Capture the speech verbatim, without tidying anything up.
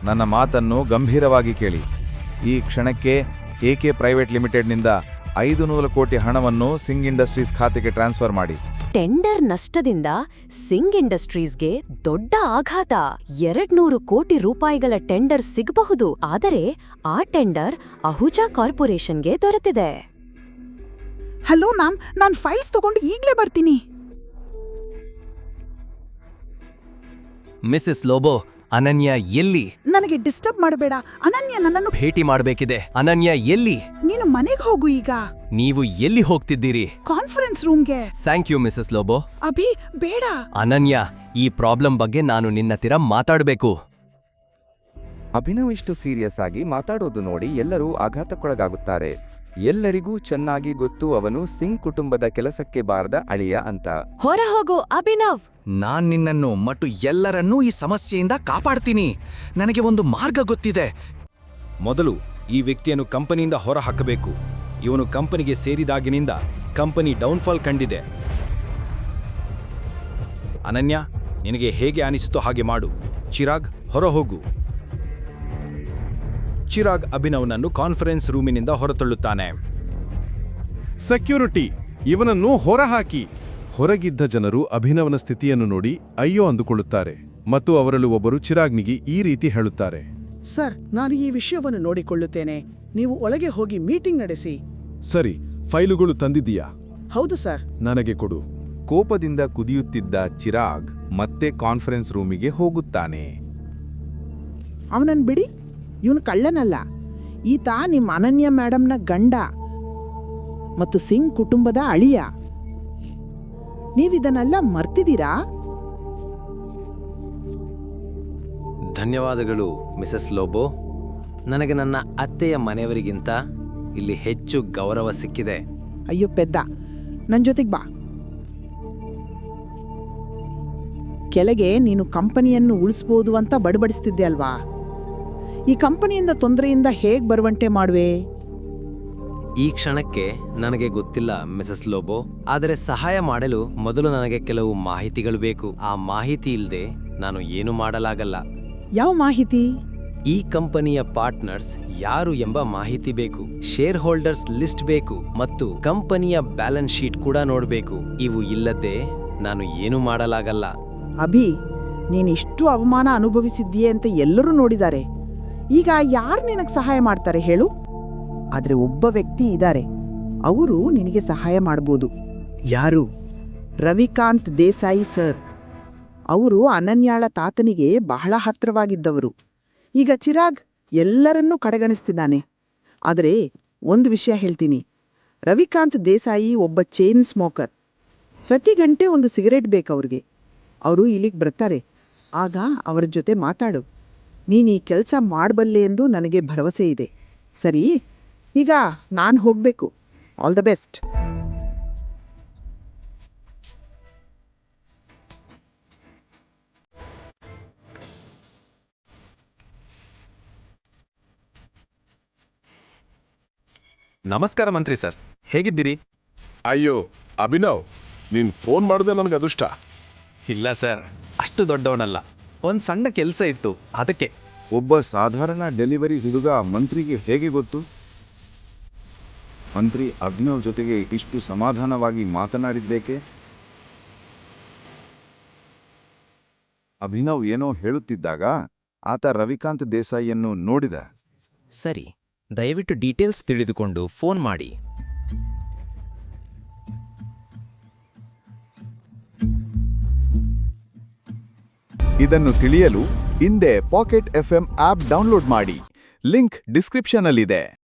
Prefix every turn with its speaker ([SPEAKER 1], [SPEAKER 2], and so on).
[SPEAKER 1] ನನ್ನ ಮಾತನ್ನು ಗಂಭೀರವಾಗಿ ಕೇಳಿ. ಈ ಕ್ಷಣಕ್ಕೆ ಎಕೆ ಪ್ರೈವೇಟ್ ಲಿಮಿಟೆಡ್ನಿಂದ ಐದು ನೂರು ಕೋಟಿ ಹಣವನ್ನು ಸಿಂಗ್ ಇಂಡಸ್ಟ್ರೀಸ್ ಖಾತೆಗೆ ಟ್ರಾನ್ಸ್ಫರ್ ಮಾಡಿ.
[SPEAKER 2] ಟೆಂಡರ್ ನಷ್ಟದಿಂದ ಸಿಂಗ್ ಇಂಡಸ್ಟ್ರೀಸ್ಗೆ ದೊಡ್ಡ ಆಘಾತ. ಎರಡ್ನೂರು ಕೋಟಿ ರೂಪಾಯಿಗಳ ಟೆಂಡರ್ ಸಿಗಬಹುದು, ಆದರೆ ಆ ಟೆಂಡರ್ ಅಹುಜಾ ಕಾರ್ಪೊರೇಷನ್ಗೆ ದೊರೆತಿದೆ.
[SPEAKER 3] ಹಲೋ ಮ್ಯಾಮ್, ನಾನು ಫೈಲ್ಸ್ ತಗೊಂಡು ಈಗಲೇ ಬರ್ತೀನಿ.
[SPEAKER 4] ಮಿಸಸ್ ಲೋಬೋ, ಅನನ್ಯ ಎಲ್ಲಿ?
[SPEAKER 3] ನನಗೆ ಡಿಸ್ಟರ್ಬ್ ಮಾಡಬೇಡ. ಅನನ್ಯ ನನ್ನನ್ನು
[SPEAKER 4] ಭೇಟಿ ಮಾಡಬೇಕಿದೆ. ಅನನ್ಯ ಎಲ್ಲಿ?
[SPEAKER 3] ನೀನು ಮನೆಗೆ ಹೋಗು ಈಗ.
[SPEAKER 4] ನೀವು ಎಲ್ಲಿ ಹೋಗ್ತಿದ್ದೀರಿ?
[SPEAKER 3] ಕಾನ್ಫರೆನ್ಸ್ ರೂಮ್ಗೆ.
[SPEAKER 4] Thank you Mrs Lobo.
[SPEAKER 3] ಅಭಿ ಬೇಡ.
[SPEAKER 4] ಅನನ್ಯ, ಈ ಪ್ರಾಬ್ಲಮ್ ಬಗ್ಗೆ ನಾನು ನಿನ್ನತ್ತಿರ ಮಾತಾಡಬೇಕು.
[SPEAKER 5] ಅಭಿನವ್ ಇಷ್ಟು ಸೀರಿಯಸ್ ಆಗಿ ಮಾತಾಡೋದು ನೋಡಿ ಎಲ್ಲರೂ ಆಘಾತಕ್ಕೊಳಗಾಗುತ್ತಾರೆ. ಎಲ್ಲರಿಗೂ ಚೆನ್ನಾಗಿ ಗೊತ್ತು ಅವನು ಸಿಂಗ್ ಕುಟುಂಬದ ಕೆಲಸಕ್ಕೆ ಬಾರದ ಅಳಿಯ ಅಂತ.
[SPEAKER 2] ಹೊರ ಹೋಗು ಅಭಿನವ್.
[SPEAKER 6] ನಾನ್ ನಿನ್ನನ್ನು ಮತ್ತು ಎಲ್ಲರನ್ನೂ ಈ ಸಮಸ್ಯೆಯಿಂದ ಕಾಪಾಡ್ತೀನಿ. ನನಗೆ ಒಂದು ಮಾರ್ಗ ಗೊತ್ತಿದೆ.
[SPEAKER 7] ಮೊದಲು ಈ ವ್ಯಕ್ತಿಯನ್ನು ಕಂಪನಿಯಿಂದ ಹೊರ ಹಾಕಬೇಕು. ಇವನು ಕಂಪನಿಗೆ ಸೇರಿದಾಗಿನಿಂದ ಕಂಪನಿ ಡೌನ್ಫಾಲ್ ಕಂಡಿದೆ. ಅನನ್ಯ, ನಿನಗೆ ಹೇಗೆ ಅನಿಸುತ್ತೋ ಹಾಗೆ ಮಾಡು. ಚಿರಾಗ್, ಹೊರ ಹೋಗು. ಚಿರಾಗ್ ಅಭಿನವ್ನನ್ನು ಕಾನ್ಫರೆನ್ಸ್ ರೂಮಿನಿಂದ ಹೊರತಳ್ಳುತ್ತಾನೆ.
[SPEAKER 8] ಸೆಕ್ಯೂರಿಟಿ, ಇವನನ್ನು ಹೊರಹಾಕಿ. ಹೊರಗಿದ್ದ ಜನರು ಅಭಿನವನ ಸ್ಥಿತಿಯನ್ನು ನೋಡಿ ಅಯ್ಯೋ ಅಂದುಕೊಳ್ಳುತ್ತಾರೆ ಮತ್ತು ಅವರಲ್ಲೂ ಒಬ್ಬರು ಚಿರಾಗ್ನಿಗೆ ಈ ರೀತಿ ಹೇಳುತ್ತಾರೆ.
[SPEAKER 3] ಸರ್, ನಾನು ಈ ವಿಷಯವನ್ನು ನೋಡಿಕೊಳ್ಳುತ್ತೇನೆ. ನೀವು ಒಳಗೆ ಹೋಗಿ ಮೀಟಿಂಗ್ ನಡೆಸಿ.
[SPEAKER 8] ಸರಿ, ಫೈಲುಗಳು ತಂದಿದ್ದೀಯಾ?
[SPEAKER 3] ಹೌದು ಸರ್.
[SPEAKER 8] ನನಗೆ ಕೊಡು.
[SPEAKER 1] ಕೋಪದಿಂದ ಕುದಿಯುತ್ತಿದ್ದ ಚಿರಾಗ್ ಮತ್ತೆ ಕಾನ್ಫರೆನ್ಸ್ ರೂಮಿಗೆ ಹೋಗುತ್ತಾನೆ.
[SPEAKER 3] ಅವನನ್ನು ಬಿಡಿ. ಇವನು ಕಳ್ಳನಲ್ಲ. ಈತ ನಿಮ್ಮ ಅನನ್ಯ ಮೇಡಮ್ನ ಗಂಡ ಮತ್ತು ಸಿಂಗ್ ಕುಟುಂಬದ ಅಳಿಯ. ನೀವಿದನ್ನೆಲ್ಲ ಮರ್ತಿದ್ದೀರಾ?
[SPEAKER 4] ಧನ್ಯವಾದಗಳು ಮಿಸಸ್ ಲೋಬೋ. ನನಗೆ ನನ್ನ ಅತ್ತೆಯ ಮನೆಯವರಿಗಿಂತ ಇಲ್ಲಿ ಹೆಚ್ಚು ಗೌರವ ಸಿಕ್ಕಿದೆ.
[SPEAKER 3] ಅಯ್ಯೋ ಪೆದ್ದ, ನನ್ನ ಜೊತೆಗೆ ಬಾ. ಕೆಳಗೆ ನೀನು ಕಂಪನಿಯನ್ನು ಉಳಿಸ್ಬೋದು ಅಂತ ಬಡಬಡಿಸ್ತಿದ್ದೆ ಅಲ್ವಾ? ಈ ಕಂಪನಿಯಿಂದ ತೊಂದರೆಯಿಂದ ಹೇಗೆ ಬರುವಂತೆ ಮಾಡುವೆ?
[SPEAKER 4] ಈ ಕ್ಷಣಕ್ಕೆ ನನಗೆ ಗೊತ್ತಿಲ್ಲ ಮಿಸಸ್ ಲೋಬೋ, ಆದರೆ ಸಹಾಯ ಮಾಡಲು ಮೊದಲು ನನಗೆ ಕೆಲವು ಮಾಹಿತಿಗಳು ಬೇಕು. ಆ ಮಾಹಿತಿ ಇಲ್ಲದೆ ನಾನು ಏನು ಮಾಡಲಾಗಲ್ಲ.
[SPEAKER 3] ಯಾವ ಮಾಹಿತಿ?
[SPEAKER 4] ಈ ಕಂಪನಿಯ ಪಾರ್ಟ್ನರ್ಸ್ ಯಾರು ಎಂಬ ಮಾಹಿತಿ ಬೇಕು. ಶೇರ್ ಹೋಲ್ಡರ್ಸ್ ಲಿಸ್ಟ್ ಬೇಕು ಮತ್ತು ಕಂಪನಿಯ ಬ್ಯಾಲೆನ್ಸ್ ಶೀಟ್ ಕೂಡ ನೋಡಬೇಕು. ಇವು ಇಲ್ಲದೆ ನಾನು ಏನು ಮಾಡಲಾಗಲ್ಲ.
[SPEAKER 3] ಅಭಿ, ನೀನಿಷ್ಟು ಅವಮಾನ ಅನುಭವಿಸಿದ್ದೀಯೆ ಅಂತ ಎಲ್ಲರೂ ನೋಡಿದ್ದಾರೆ. ಈಗ ಯಾರು ನಿನಗೆ ಸಹಾಯ ಮಾಡ್ತಾರೆ ಹೇಳು? ಆದರೆ ಒಬ್ಬ ವ್ಯಕ್ತಿ ಇದ್ದಾರೆ, ಅವರು ನಿನಗೆ ಸಹಾಯ ಮಾಡ್ಬೋದು. ಯಾರು? ರವಿಕಾಂತ್ ದೇಸಾಯಿ ಸರ್. ಅವರು ಅನನ್ಯಾಳ ತಾತನಿಗೆ ಬಹಳ ಹತ್ತಿರವಾಗಿದ್ದವರು. ಈಗ ಚಿರಾಗ್ ಎಲ್ಲರನ್ನೂ ಕಡೆಗಣಿಸ್ತಿದ್ದಾನೆ. ಆದರೆ ಒಂದು ವಿಷಯ ಹೇಳ್ತೀನಿ, ರವಿಕಾಂತ್ ದೇಸಾಯಿ ಒಬ್ಬ ಚೈನ್ ಸ್ಮೋಕರ್. ಪ್ರತಿ ಗಂಟೆ ಒಂದು ಸಿಗರೇಟ್ ಬೇಕು ಅವ್ರಿಗೆ. ಅವರು ಇಲ್ಲಿಗೆ ಬರ್ತಾರೆ. ಆಗ ಅವರ ಜೊತೆ ಮಾತಾಡು. ನೀನು ಈ ಕೆಲಸ ಮಾಡಬಲ್ಲೆ ಎಂದು ನನಗೆ ಭರವಸೆ ಇದೆ. ಸರಿ, ಈಗ ನಾನು ಹೋಗಬೇಕು. All the best.
[SPEAKER 9] ನಮಸ್ಕಾರ ಮಂತ್ರಿ ಸರ್, ಹೇಗಿದ್ದೀರಿ?
[SPEAKER 8] ಅಯ್ಯೋ ಅಭಿನವ್, ನೀನ್ ಫೋನ್ ಮಾಡಿದೆ ನನಗೆ ಅದೃಷ್ಟ.
[SPEAKER 9] ಇಲ್ಲ ಸರ್, ಅಷ್ಟು ದೊಡ್ಡವನಲ್ಲ. ಒಂದು ಸಣ್ಣ ಕೆಲಸ ಇತ್ತು, ಅದಕ್ಕೆ.
[SPEAKER 1] ಒಬ್ಬ ಸಾಧಾರಣ ಡೆಲಿವರಿ ಹುಡುಗ ಮಂತ್ರಿಗೆ ಹೇಗೆ ಗೊತ್ತು? ಮಂತ್ರಿ ಅಭಿನವ್ ಜೊತೆಗೆ ಇಷ್ಟು ಸಮಾಧಾನವಾಗಿ ಮಾತನಾಡಿದ್ದೇಕೆ? ಅಭಿನವ್ ಏನೋ ಹೇಳುತ್ತಿದ್ದಾಗ ಆತ ರವಿಕಾಂತ್ ದೇಸಾಯಿಯನ್ನು ನೋಡಿದ.
[SPEAKER 6] ಸರಿ, ದಯವಿಟ್ಟು ಡೀಟೇಲ್ಸ್ ತಿಳಿದುಕೊಂಡು ಫೋನ್ ಮಾಡಿ.
[SPEAKER 1] ಇದನ್ನು ತಿಳಿಯಲು ಹಿಂದೆ ಪಾಕೆಟ್ ಎಫ್ಎಂ ಆಪ್ ಡೌನ್ಲೋಡ್ ಮಾಡಿ. ಲಿಂಕ್ ಡಿಸ್ಕ್ರಿಪ್ಷನ್ನಲ್ಲಿದೆ.